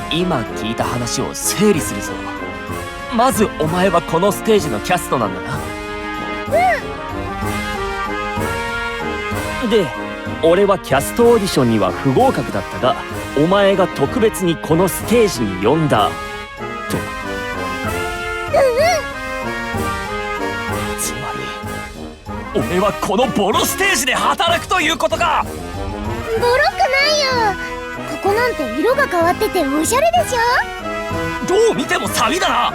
今聞いた話を整理するぞ。まずお前はこのステージのキャストなんだな。で、俺はキャストオーディションには不合格だったが、お前が特別にこのステージに呼んだと。つまり俺はこのボロステージで働くということか。 ボロくないよ。ここなんて色が変わってておしゃれでしょ。 どう見てもサビだな。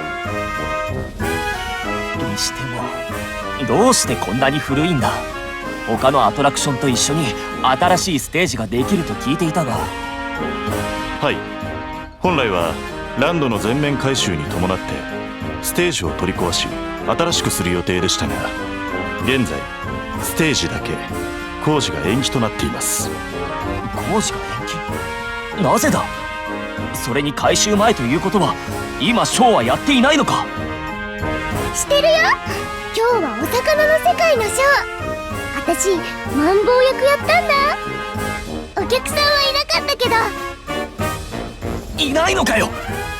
にしてもどうしてこんなに古いんだ。他のアトラクションと一緒に新しいステージができると聞いていたが。 はい、本来はランドの全面改修に伴ってステージを取り壊し新しくする予定でしたが、現在ステージだけ工事が延期となっています。 工事が延期？なぜだ。それに改修前ということは今ショーはやっていないのか。 してるよ。今日はお魚の世界のショー。私マンボウ役やったんだ。お客さんはいなかったけど。 いないのかよ。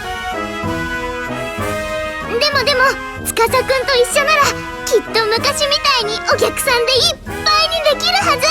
でも司くんと一緒ならきっと昔みたいにお客さんでいっぱいにできるは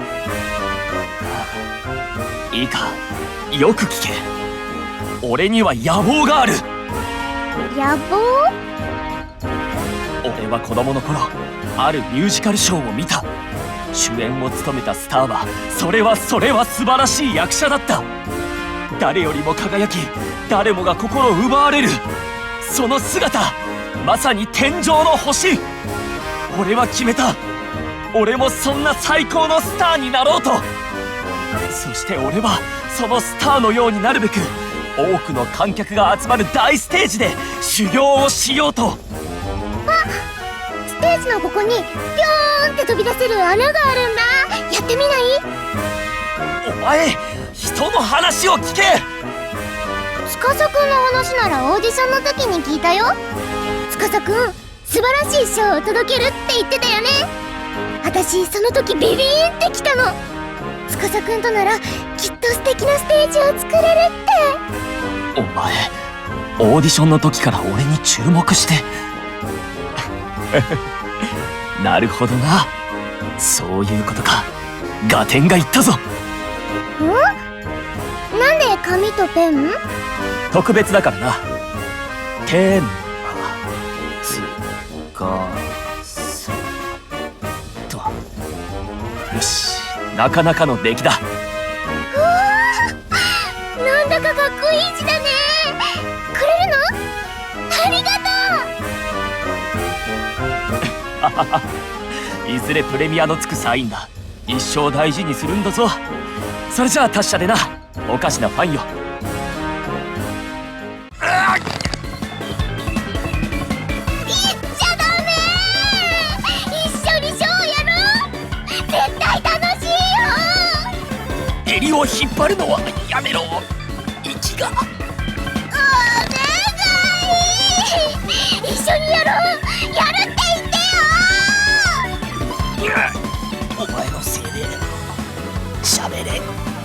ず。いいか、よく聞け。俺には野望がある。 野望？ 俺は子供の頃あるミュージカルショーを見た。主演を務めたスターはそれは素晴らしい役者だった。誰よりも輝き、誰もが心を奪われる。その姿、まさに天上の星。俺は決めた。俺もそんな最高のスターになろうと。そして俺はそのスターのようになるべく多くの観客が集まる大ステージで修行をしようと。 ステージのここにピョーンって飛び出せる穴があるんだ。やってみない？ お前、人の話を聞け。 司くんの話ならオーディションの時に聞いたよ。司くん素晴らしいショーを届けるって言ってたよね。私その時ビビーンってきたの。司くんとならきっと素敵なステージを作れるって。 お前、オーディションの時から俺に注目してなるほどな。そういうことか。合点がいったぞ。 なんで紙とペン？ 特別だからな。テーマつかさと。よし、なかなかの出来だ。 なんだかかっこいい字だね。くれるの？ありがとういずれプレミアのつくサインだ。一生大事にするんだぞ。それじゃあ達者でな、おかしなファンよ。 言っちゃダメ。一緒にショーやろう。絶対楽しいよ。 襟を引っ張るのはやめろ。息が。 お願い。一緒にやろう。やるって言ってよ。 お前のせいで喋れ。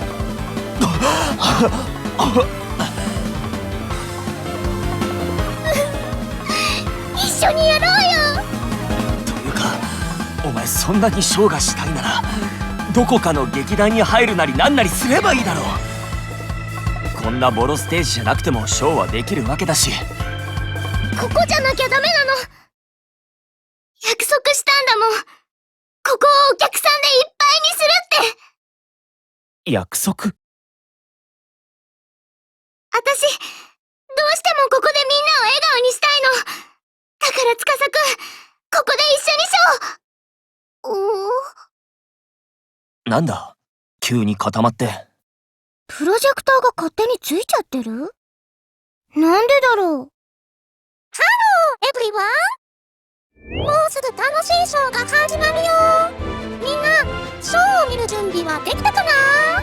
一緒にやろうよ。 というか、お前そんなにショーがしたいならどこかの劇団に入るなりなんなりすればいいだろう。こんなボロステージじゃなくてもショーはできるわけだし。 ここじゃなきゃダメなの。約束したんだもん。ここをお客さんでいっぱいにするって。 約束？ 私、どうしてもここでみんなを笑顔にしたいの。だから司くん、ここで一緒にショー。 なんだ急に固まって。 プロジェクターが勝手についちゃってる？なんでだろう。ハローエブリワン。もうすぐ楽しいショーが始まるよ。みんな、ショーを見る準備はできたかな？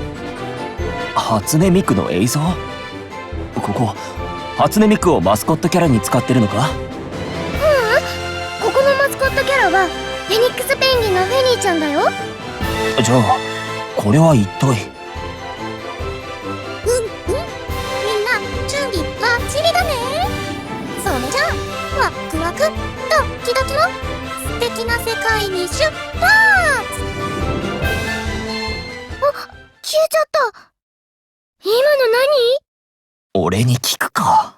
初音ミクの映像？ここ初音ミクをマスコットキャラに使ってるのか？ ここのマスコットキャラはフェニックスペンギンのフェニーちゃんだよ。 じゃあこれは一体。 みんな注ドキドキの素敵な世界に出発。消えちゃった。今の何？ 俺に聞くか。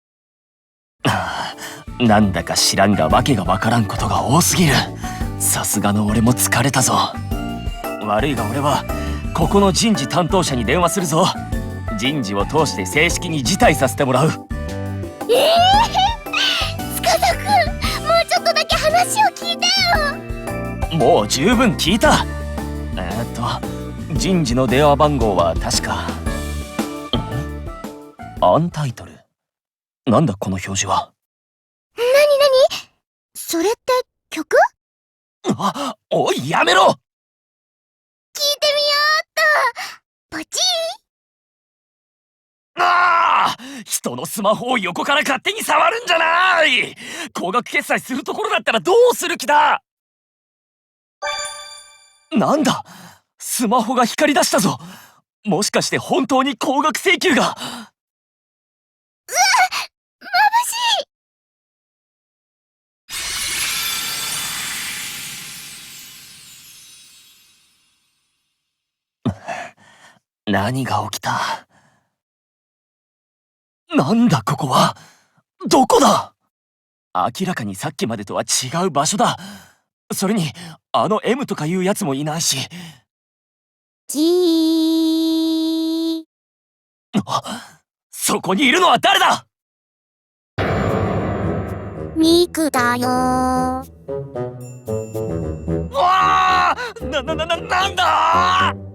なんだか知らんがわけがわからんことが多すぎる。さすがの俺も疲れたぞ。悪いが俺はここの人事担当者に電話するぞ。人事を通して正式に辞退させてもらう。 司くん、もうちょっとだけ話を聞いてよ。 もう十分聞いた。人事の電話番号は確かアンタイトル。なんだこの表示は。 なにそれって曲？ おいやめろ。 聞いてみようっと。ポチ人のスマホを横から勝手に触るんじゃない。高額決済するところだったらどうする気だ。なんだ、スマホが光り出したぞ。もしかして本当に高額請求が。 眩しい。 何が起きた。なんだここは。どこだ。明らかにさっきまでとは違う場所だ。それにあの M とかいうやつもいないし。そこにいるのは誰だ。 ミクだよ。 わあ、なんだ。